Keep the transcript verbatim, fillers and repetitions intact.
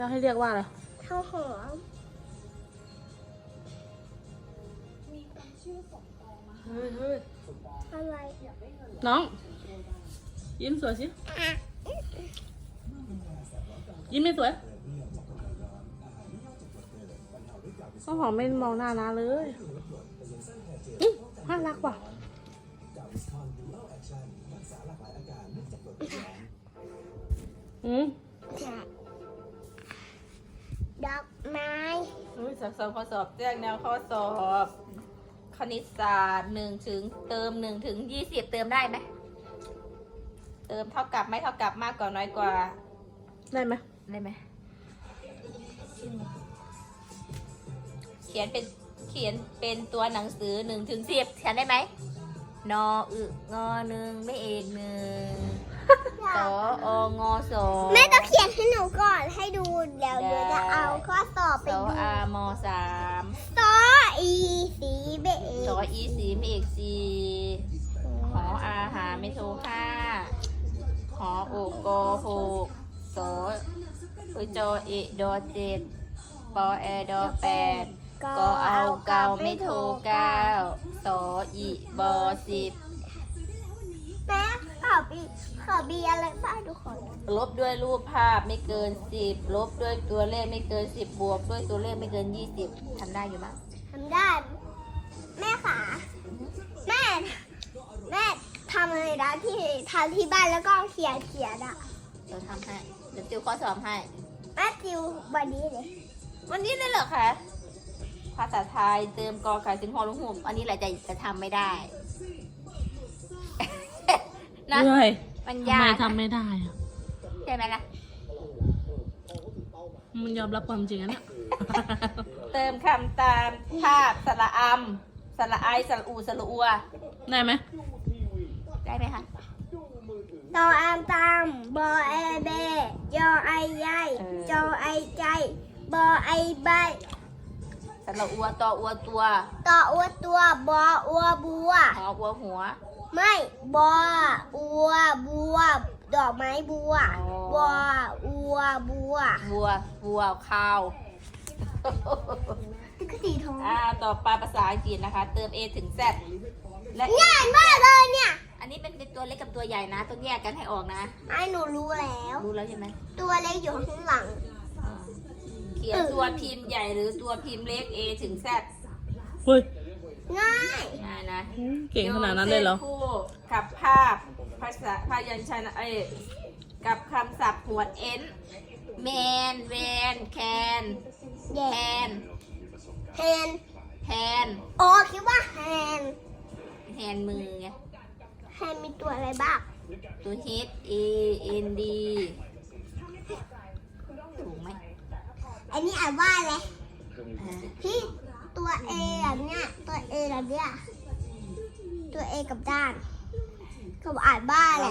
จะให้เรียกว่าอะไรข้าวหอมเฮ้ยเฮ้ยอะไรน้องยิ้มสวยสิยิ้มไม่สวยข้าวหอมไม่มองหน้านะเลยอื้อน่ารักว่ะอืมดอกไม้อุ้ยสอบสอบข้อสอบแจ้งแนวข้อสอบคณิตศาสตร์หนึ่งถึงเติมหนึ่งถึงยี่สิบเติมได้ไหมเติมเท่ากับไม่เท่ากับมากกว่าน้อยกว่าได้ไหมได้ไหมเขียนเป็นเขียนเป็นตัวหนังสือหนึ่งถึงสิบเขียนได้ไหมนออึงอหนึ่งไม่เอกหนึ่งสอองอสองแม่ต้องเขียนให้หนูก่อนให้ดูเดี๋ยวเดี๋ยวจะเอาข้อสอบไปสอดูอามอสามซออีสีเบเอสออีสีไม่เอกสี่หออาหาไม่โทห้าหอโอกอหกสอเอยจอเอกดอเจ็ดปอแอดอแปดกอเอาเกาไม่โทเก้าสออีบอสิบแม่ขอบีขอบีอะไรบ้างทุกคนลบด้วยรูปภาพไม่เกินสิบลบด้วยตัวเลขไม่เกินสิบบวกด้วยตัวเลขไม่เกินยี่สิบทำได้อยู่มั้งทำได้ แม่ขาแม่ แม่ทำอะไรนะที่ทำที่บ้านแล้วก็เขียนเขียนอ่ะเดี๋ยวทำให้เดี๋ยวติวข้อสอบให้แม่จิววันนี้เลยวันนี้เลยเหรอคะภาษาไทยเติมกอไก่ถึงหอลุงหุ่มอันนี้แหละจะจะทำไม่ได้ นะเหนื่อยมันทำยาไมกทำไม่ได้อะใช่ไหมล่ะมันยอมรับความจริงอะเนี่ยเติมคำตามภาพสระอำสระไอสระอูสระอัวได้ไหมได้ไหมคะตออามตามบอไอเบยอไอใหญ่จอไอใจบอไอใบสระอัวตออัวตัวต่ออัวตัวบออัวบัวหออัวหัวไม่บออัวบัว ดอกไม้บัวอ๋อบออัวบัววัววัวข้าวติ๊กสีทองอ่าต่อไปภาษาอังกฤษนะคะ เติม A ถึง Z และง่ายมากเลยเนี่ยอันนี้เป็นตัวเล็กกับตัวใหญ่นะ ต้องแยกกันให้ออกนะไอ้หนูรู้แล้วรู้แล้วใช่ไหมตัวเล็กอยู่ข้างหลังอ่าเขียนตัวพิมพ์ใหญ่หรือตัวพิมพ์เล็ก A ถึง Z เฮ้ยง่ายง่ายนะเก่งขนาดนั้นเลยเหรอโยงส้นคู่กับภาพภาษาพยัญชนะเอ้ยกับคำศัพท์หมวด N แมนแวนแคนแย่แทนแฮนแทนอ๋อคิดว่าแฮนแทนมือไงแฮนมีตัวอะไรบ้างตัว H A N D ถูกไหมอันนี้อ่านว่าอะไรอ่าพี่ตัว A แบบเนี้ยตัว A แบบเนี้ยตัว A กับด้านเขาอ่านว่าอะไร